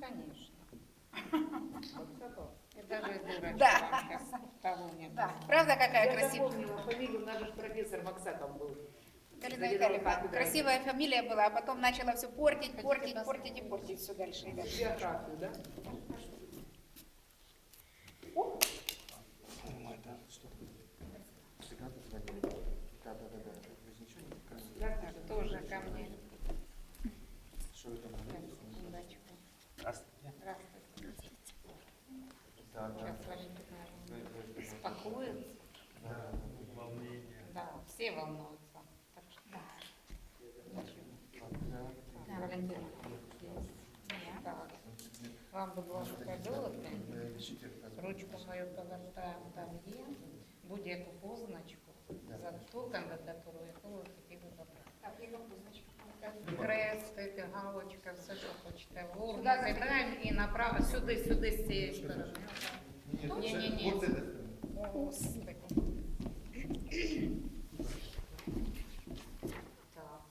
конечно. И даже дурочка Да. вам сейчас того нет. Да, правда какая Я красивая? запомнила фамилию, у нас же профессор Максаков был. Галина Заведовал Витальевна, кафедрой. красивая фамилия была, а потом начала все портить, портить, портить и портить все дальше. и дальше. Биографию, да? Да, тоже ко мне. Секундочку. Здравствуйте. Сейчас Валентина успокоится. Да, все волнуются. Так что да. Валентина. Так. Вам, будь ласка, золото. Ручку мою повертаємо там є. Будь-яку позначку за ту кандидатуру, яку ви хотіли обрати. Так, яка позначка? Хрестик, галочка, все, що хочете. В урну кидаємо і направо, сюди, з цієї сторони. Ні. О, Господи. Так.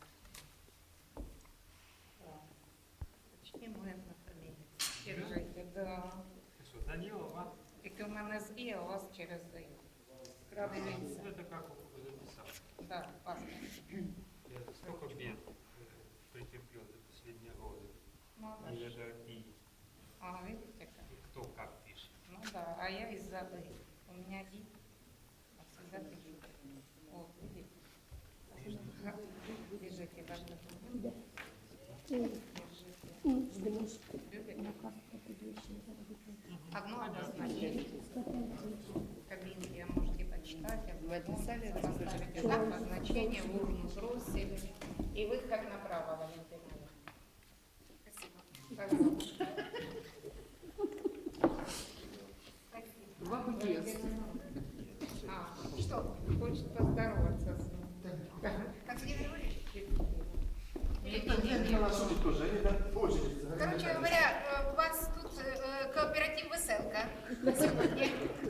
Почти моя фамілія. Держите, да. Что, Данилова? Тільки у мене з І, а у вас через І. Дивіться. Это как записал. Так, паспорт. Я столько бед претерпел за последние годы. Ну, И это и а, видите как? кто как пишет. Ну да, а я из-за И. У меня И, а всегда пишу. Вот, видите? Держите, важно. Держите. Любите? Одно обозначение. Кабинки можете почитать. В этом сале поставите обозначение, в урну бросили. И вы как направо, Валентина. Спасибо. Вам есть. А, что? Хочет поздороваться с ним. Как Сергей Григорьевич? Не-не-не. Короче говоря, у вас тут кооператив «Веселка» на сегодня.